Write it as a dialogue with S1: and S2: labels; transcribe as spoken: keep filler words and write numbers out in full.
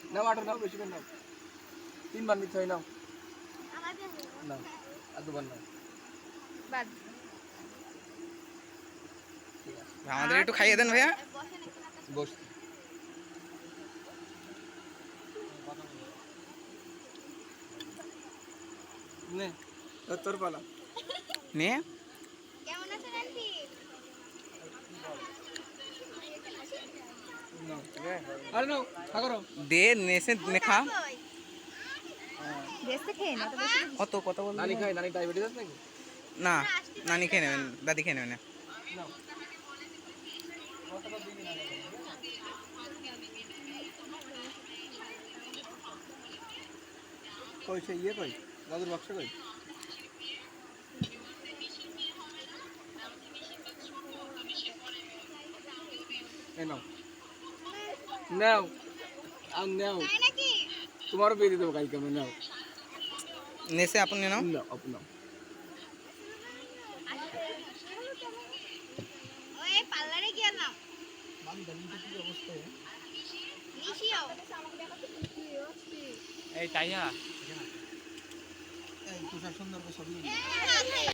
S1: নাও আটো নাও বেশি করে নাও তিনবার নিতে হয় নাও নাও আর দুবার নাও
S2: বাদ
S3: আমাদের একটু খাইয়ে দেন ভাইয়া
S1: বস নে তোর পালা
S3: নে
S2: কেমন আছেন আন্টি
S1: নাও আরে নাও খা করো
S3: দে নেসে নে খা
S2: বেশি খেয়ে না তো বেশি
S3: কত কত বল
S1: নানি খাই নানি ডায়াবেটিস আছে নাকি
S3: না নানি খেয়ে নেবেন দাদি খেয়ে নেবেন
S1: নাও কই সে ইয়ে কই দাদুর বাক্স কই এই নাও নাও আর নাও
S2: তাই নাকি
S1: তোমারও বিয়ে দিয়ে দেবো কালকে আমি নাও
S3: নেসে আপনি নাও
S1: নাও আপু নাও
S2: ওই পার্লারে গেলাম নিশিও
S4: এই তাইয়া
S1: এই তুষার সুন্দর ছবি